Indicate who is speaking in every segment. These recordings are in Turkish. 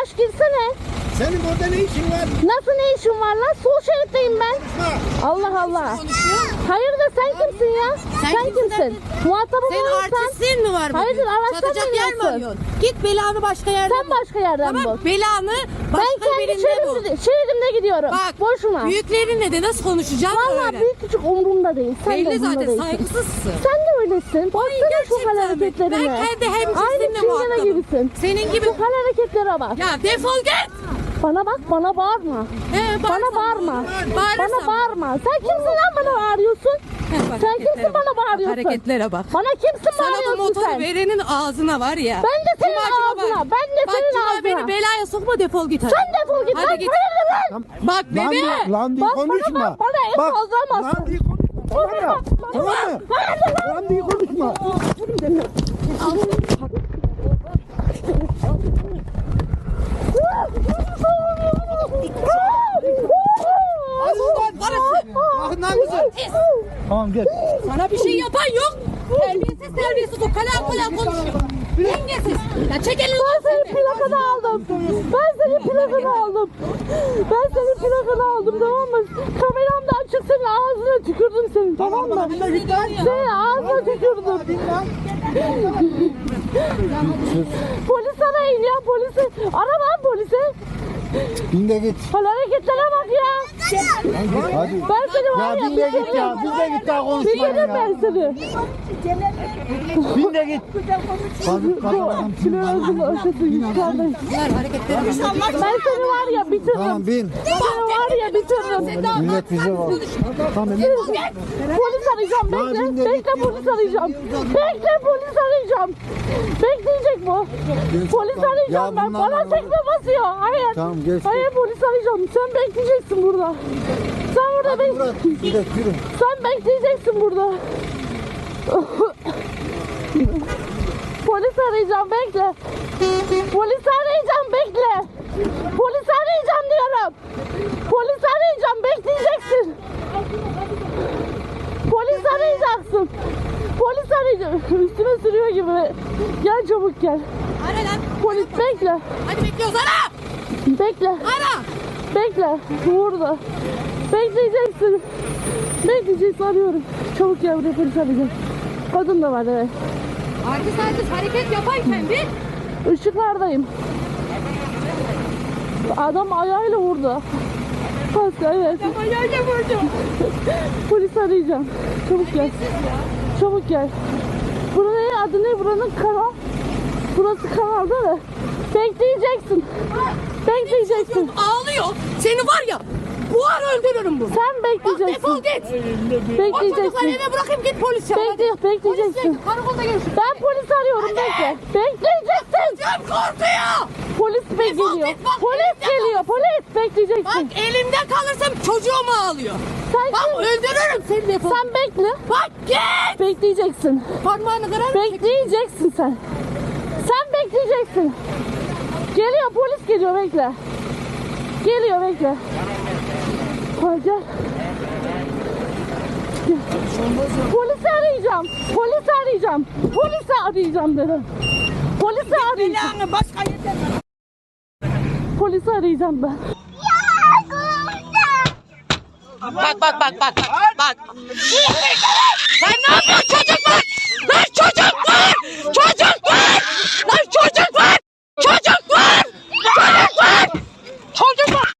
Speaker 1: yavaş girsene.
Speaker 2: Senin orada ne işin var?
Speaker 1: Nasıl ne işin var lan? Sol şeritteyim ben. Allah Allah. Hayırdır sen kimsin ya? Sen kimsin? Muhatabım
Speaker 3: Senin
Speaker 1: olursan.
Speaker 3: artistliğin mi var bugün?
Speaker 1: Hayırdır araçtan
Speaker 3: Satacak yer mi
Speaker 1: biniyorsun?
Speaker 3: arıyorsun? Git belanı başka yerden
Speaker 1: Sen başka yerden bul.
Speaker 3: Tamam belanı
Speaker 1: Ben
Speaker 3: başka
Speaker 1: kendi
Speaker 3: birinde bul.
Speaker 1: şeridimde gidiyorum.
Speaker 3: Bak
Speaker 1: Boşuna.
Speaker 3: büyüklerinle de nasıl konuşacağım
Speaker 1: Vallahi
Speaker 3: öyle.
Speaker 1: büyük küçük umurumda değil. Sen de
Speaker 3: Belli
Speaker 1: umurumda
Speaker 3: zaten
Speaker 1: değilsin.
Speaker 3: saygısızsın.
Speaker 1: Sen de öylesin. Baksana şu hal
Speaker 3: gerçekten mi?
Speaker 1: hareketlerine.
Speaker 3: Ben kendi
Speaker 1: Aynı
Speaker 3: hemcinsimle
Speaker 1: çingene
Speaker 3: muhatabım.
Speaker 1: gibisin.
Speaker 3: Senin gibi.
Speaker 1: Şu hal hareketlere bak.
Speaker 3: Ya defol git.
Speaker 1: Bana bak, bana bağırma. Bana bağırma. Bana bağırma. Sen kimsin lan bana bağırıyorsun? Sen kimsin bana bağırıyorsun?
Speaker 3: Hareketlere bak.
Speaker 1: Bana kimsin
Speaker 3: Sana bu
Speaker 1: bağırıyorsun
Speaker 3: motoru
Speaker 1: sen?
Speaker 3: verenin ağzına var ya.
Speaker 1: Ben de senin
Speaker 3: Cumacıma
Speaker 1: ağzına.
Speaker 3: bak.
Speaker 1: Ben de
Speaker 3: Bak
Speaker 1: senin
Speaker 3: Cuma
Speaker 1: ağzına.
Speaker 3: beni belaya sokma defol git hadi.
Speaker 1: Sen defol git.
Speaker 3: Hadi
Speaker 1: Lan
Speaker 3: git.
Speaker 1: hayırdır lan?
Speaker 3: Bak bebe.
Speaker 2: Lan diye
Speaker 1: Bak bana
Speaker 2: konuşma.
Speaker 1: bak, bana el kaldıramazsın.
Speaker 2: Lan diye konuşma. Tamam mı? Lan diye konuşma. Yakından kızım. Tamam gel.
Speaker 3: Sana bir şey yapan yok. Terbiyesiz o kalam konuşuyor. Dengesiz. Ya çek elini.
Speaker 1: Ben senin plakanı aldım. Ben senin plakanı aldım. Ben senin plakanı aldım, tamam mı? Kameram da açık, senin ağzına tükürdüm senin, tamam mı? Senin ağzına tükürdüm. Polis arayın ya, polisi. Ara lan polisi.
Speaker 2: Bin de git.
Speaker 1: Hal hareketlere bak ya.
Speaker 2: Hadi.
Speaker 1: Ben seni var
Speaker 2: Ya
Speaker 1: ya.
Speaker 2: bin de git ya. Bin de git daha konuşmayın
Speaker 1: Sikerim
Speaker 2: ya.
Speaker 1: ben seni.
Speaker 2: Bin de git. Hadi kalkalım.
Speaker 1: Kilosun aşısı yukarıdayım. Ben seni var ya bitiririm.
Speaker 2: Tamam bin.
Speaker 1: Seni var ya bitiririm.
Speaker 2: Millet bize var. Tamam
Speaker 1: Polis arayacağım,
Speaker 2: Ya
Speaker 1: bekle.
Speaker 2: bin de
Speaker 1: Bekle polis arayacağım. Bekle polis arayacağım. Bekleyecek bu. Polis arayacağım
Speaker 2: Ya
Speaker 1: ben.
Speaker 2: bunlar
Speaker 1: Bana
Speaker 2: var.
Speaker 1: tekme basıyor. Hayır.
Speaker 2: Tamam, geç.
Speaker 1: Hayır polis arayacağım. Sen bekleyeceksin burada. Sen burada bek.
Speaker 2: Murat gidelim yürü.
Speaker 1: Sen bekleyeceksin burada. Polis arayacağım, bekle. Polis arayacağım, bekle. Polis arayacağım diyorum. Polis arayacağım, bekleyeceksin. Polis arayacaksın. Polis arayacağım. Üstüme sürüyor gibi. Gel çabuk gel.
Speaker 3: Ara lan.
Speaker 1: Polis bekle.
Speaker 3: Hadi bekliyoruz ara.
Speaker 1: Bekle.
Speaker 3: Ara.
Speaker 1: Bekle. Burada. Bekleyeceksin. Bekleyeceksin, arıyorum. Çabuk gel buraya, polis arayacağım. Kadın da var, evet.
Speaker 3: Artist hareket yaparken bir.
Speaker 1: Işıklardayım. Adam ayağıyla vurdu. Paska, evet.
Speaker 3: Ayağıyla vurdu.
Speaker 1: Polis arayacağım. Çabuk gel. Çabuk gel. Buranın adı ne? Buranın kanal. Burası kanal değil mi? Bekleyeceksin. Bekleyeceksin.
Speaker 3: Ağlıyor. Seni var ya. Buhar öldürürüm bunu.
Speaker 1: Sen
Speaker 3: Bak defol
Speaker 1: bekleyeceksin.
Speaker 3: git. O çocukları
Speaker 1: Bekleyeceksin.
Speaker 3: eve bırakayım git polis çağır.
Speaker 1: Bekleyeceksin.
Speaker 3: Karakolda görüşürüz.
Speaker 1: Ben polis arıyorum, bekle. Bekleyeceksin.
Speaker 3: Canım korkuyor.
Speaker 1: Polis geliyor.
Speaker 3: git, bak,
Speaker 1: Polis
Speaker 3: elimde
Speaker 1: geliyor. Polis bekleyeceksin.
Speaker 3: Bak elimde kalırsam çocuğum ağlıyor.
Speaker 1: Sen
Speaker 3: Bak
Speaker 1: kim?
Speaker 3: öldürürüm seni defol.
Speaker 1: Sen bekle.
Speaker 3: Bak git.
Speaker 1: Bekleyeceksin.
Speaker 3: Parmağını kırarım.
Speaker 1: Bekleyeceksin sen. Sen bekleyeceksin. Geliyor, polis geliyor, bekle. Geliyor, bekle. Hadi gel. Gel. Polisi arayacağım. Polisi arayacağım. Polisi arayacağım dedim. Polisi arayacağım.
Speaker 3: Başka yerden.
Speaker 1: Polisi arayacağım ben.
Speaker 3: Bak. Bak. Lan ne yapıyorsun çocuk var? Lan çocuk var. Çocuk var. Lan çocuk var. Çocuk var. Çocuk var. Çocuk var.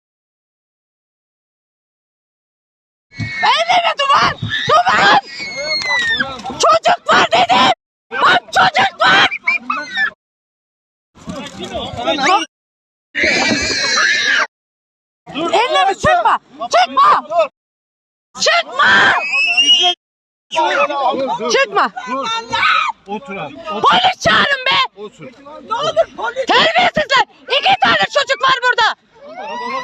Speaker 3: Evime duvar. Duvar. Çocuk var dedim. Bak çocuk var. Ellerimi çıkma. Çıkma. Çıkma. Çıkma.
Speaker 2: Otur abi.
Speaker 3: Polis çağırın be.
Speaker 2: Otur.
Speaker 3: Ne olur polis. Terbiyesizler. 2 tane çocuk var burada.